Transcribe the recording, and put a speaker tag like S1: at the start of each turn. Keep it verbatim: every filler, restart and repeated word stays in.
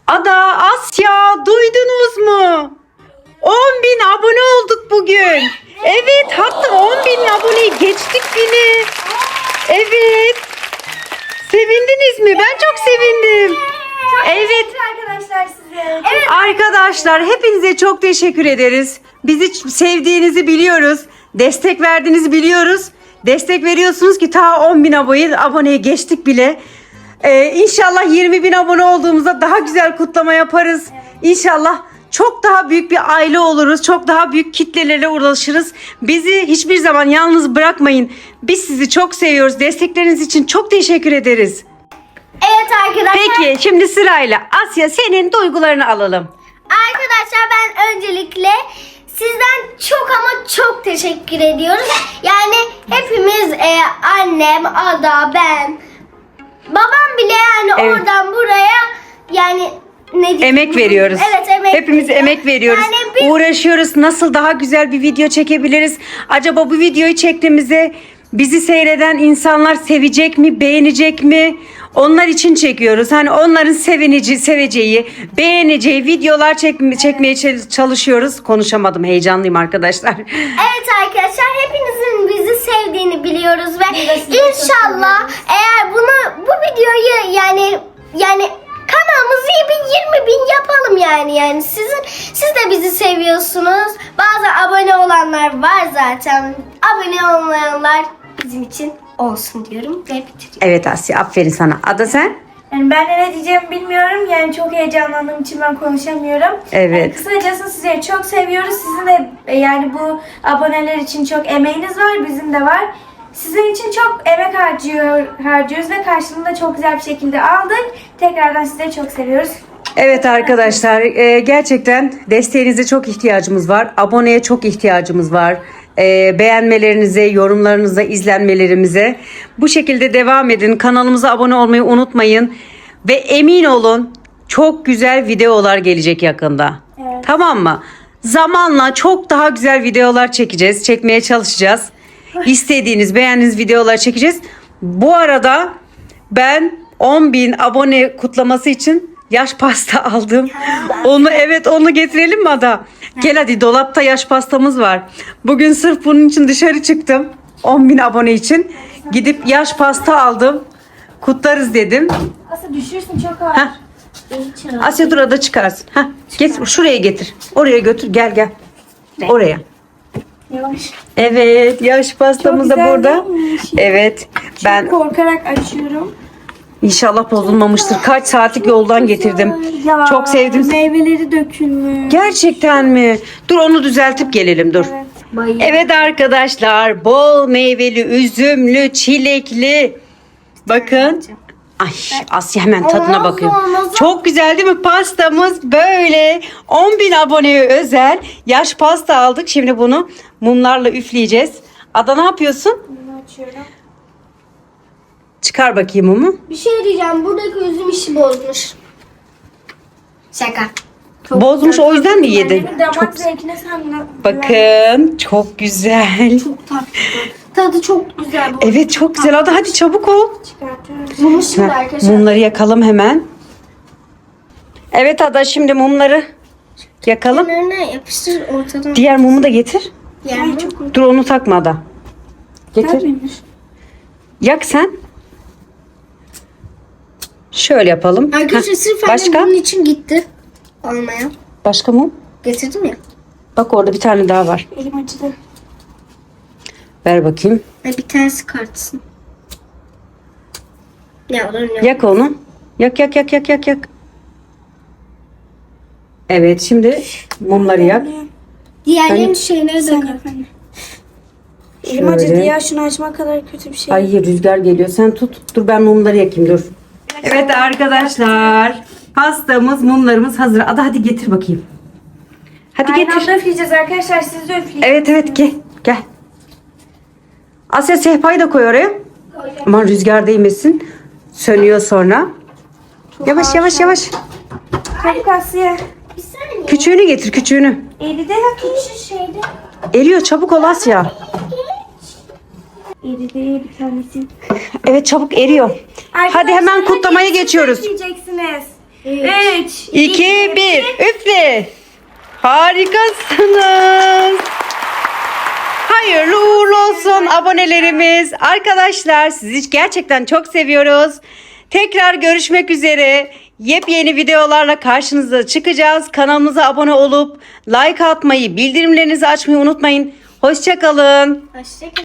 S1: Ada, Asya, duydunuz mu? on bin abone olduk bugün. Evet, hatta on bin aboneyi geçtik bile. Evet. Sevindiniz mi? Ben çok sevindim. Evet.
S2: Arkadaşlar size.
S1: Evet. Arkadaşlar hepinize çok teşekkür ederiz. Bizi sevdiğinizi biliyoruz. Destek verdiğinizi biliyoruz. Destek veriyorsunuz ki ta on bin aboneye, aboneye geçtik bile. Ee, İnşallah yirmi bin abone olduğumuzda daha güzel kutlama yaparız. Evet. İnşallah çok daha büyük bir aile oluruz. Çok daha büyük kitlelere ulaşırız. Bizi hiçbir zaman yalnız bırakmayın. Biz sizi çok seviyoruz. Destekleriniz için çok teşekkür ederiz.
S2: Evet arkadaşlar.
S1: Peki şimdi sırayla Asya senin duygularını alalım.
S2: Arkadaşlar ben öncelikle sizden çok ama çok teşekkür ediyoruz. Yani hepimiz e, annem, Ada, ben, babam bile yani
S1: Evet.
S2: oradan buraya yani ne diyeyim?
S1: Emek veriyoruz.
S2: Evet, emek
S1: Hepimiz
S2: veriyoruz.
S1: emek veriyoruz.
S2: Yani bir-
S1: Uğraşıyoruz. Nasıl daha güzel bir video çekebiliriz? Acaba bu videoyu çektiğimizde bizi seyreden insanlar sevecek mi, beğenecek mi? Onlar için çekiyoruz. Hani onların sevinici, seveceği, beğeneceği videolar çek, çekmeye çalışıyoruz. Konuşamadım. Heyecanlıyım arkadaşlar.
S2: Evet arkadaşlar hepinizin bizi sevdiğini biliyoruz ve inşallah eğer bunu bu videoyu yani yani kanalımızı bir yirmi bin yapalım yani yani sizin siz de bizi seviyorsunuz. Bazı abone olanlar var zaten. Abone olmayanlar bizim için olsun diyorum ve bitiriyorum.
S1: Evet Asya, aferin sana. Ada sen?
S3: Yani ben de ne diyeceğimi bilmiyorum. Yani çok heyecanlandığım için ben konuşamıyorum.
S1: Evet.
S3: Yani kısacası sizleri çok seviyoruz. Sizin de e, yani bu aboneler için çok emeğiniz var. Bizim de var. Sizin için çok emek harcıyor, harcıyoruz ve karşılığında çok güzel bir şekilde aldık. Tekrardan sizleri çok seviyoruz.
S1: Evet arkadaşlar, e, gerçekten desteğinize çok ihtiyacımız var. Aboneye çok ihtiyacımız var. E, beğenmelerinize, yorumlarınıza, izlenmelerimize. Bu şekilde devam edin. Kanalımıza abone olmayı unutmayın. Ve emin olun çok güzel videolar gelecek yakında.
S3: Evet.
S1: Tamam mı? Zamanla çok daha güzel videolar çekeceğiz. Çekmeye çalışacağız. İstediğiniz, beğendiğiniz videolar çekeceğiz. Bu arada ben on bin abone kutlaması için yaş pasta aldım. Onu evet onu getirelim mi Ada? Gel hadi, dolapta yaş pastamız var. Bugün sırf bunun için dışarı çıktım. on bin abone için. Gidip yaş pasta aldım. Kutlarız dedim.
S3: Aslında düşürsün çok ağır.
S1: Heh. Asya dur, Ada çıkarsın. Heh. Getir, şuraya getir. Oraya götür, gel gel. Oraya.
S3: Yavaş.
S1: Evet, yaş pastamız da
S3: güzel
S1: burada.
S3: değilmiş.
S1: Evet. Ben
S3: Korkarak açıyorum.
S1: inşallah bozulmamıştır. Kaç saatlik yoldan getirdim.
S3: Ya,
S1: Çok sevdim.
S3: Meyveleri dökülmüş.
S1: Gerçekten mi? Dur onu düzeltip gelelim, dur.
S3: Evet.
S1: Evet arkadaşlar, bol meyveli, üzümlü, çilekli. Bakın. Ay Asya hemen tadına
S2: Olmaz,
S1: bakıyor.
S2: olmaz.
S1: Çok güzel değil mi? Pastamız böyle. on bin aboneye özel yaş pasta aldık. Şimdi bunu mumlarla üfleyeceğiz. Ada ne yapıyorsun?
S3: Bunu açıyorum.
S1: Çıkar bakayım mumu.
S2: Bir şey diyeceğim buradaki üzüm işi bozmuş. Şaka.
S1: Bozmuş, o yüzden mi yedin?
S3: Annemin damak
S1: Çok,
S3: zevkine sen
S1: bakın çok güzel.
S2: Çok tatlı. Tadı çok güzel bu.
S1: Evet çok güzel. Ada hadi çabuk ol.
S3: çıkartıyorum.
S2: Bunu şimdi
S1: Heh,
S2: arkadaşlar.
S1: mumları yakalım hemen. Evet Ada, şimdi mumları yakalım.
S2: Kenarına yapıştır ortadan.
S1: Diğer mumu da getir.
S2: Yer mi?
S1: Dur onu takma Ada. Getir. Yak sen. Şöyle yapalım.
S2: Arkadaşlar
S1: Heh,
S2: sırf
S1: başka?
S2: annem bunun için gitti. Almaya.
S1: Başka mum?
S2: Getirdim ya.
S1: Bak orada bir tane daha var.
S3: Elim acıdı.
S1: Ver bakayım.
S2: Ay, bir tanesi kartsın. Ya olur ya.
S1: Yak onu. Yak yak yak yak yak yak. Evet şimdi mumları yak.
S2: Diğerlerinin
S1: Ben-
S2: şeyleri de
S3: Sen
S2: kart.
S3: yap anne. Elim acıdı
S1: Şöyle.
S3: ya, şunu açmak kadar kötü bir şey.
S1: Ay rüzgar geliyor. Sen tut. Dur ben mumları yakayım, dur. Evet arkadaşlar. Pastamız, mumlarımız hazır. Ada hadi getir bakayım. Hadi
S3: Aynı
S1: getir.
S3: anda üfleyeceğiz arkadaşlar, siz de üfleyin.
S1: Evet evet gel. Gel. Asya sehpayı da koy oraya. Aman rüzgar değmesin. Sönüyor sonra. Yavaş yavaş yavaş.
S3: Çabuk Asya.
S2: Bir saniye.
S1: Küçüğünü getir, küçüğünü.
S3: Eridi.
S2: Şu şeyde.
S1: Eriyor, çabuk ol Asya.
S3: Eridi bir tanesi.
S1: Evet çabuk eriyor. Hadi hemen
S3: Arkadaşlar,
S1: kutlamaya
S3: hadi siz
S1: geçiyoruz.
S3: üfleyeceksiniz. üç,
S1: iki, bir. Üfle. Harikasınız. Hayırlı uğurlu olsun abonelerimiz. Arkadaşlar sizi gerçekten çok seviyoruz. Tekrar görüşmek üzere. Yepyeni videolarla karşınıza çıkacağız. Kanalımıza abone olup like atmayı, bildirimlerinizi açmayı unutmayın. Hoşça kalın.
S2: Hoşçakalın.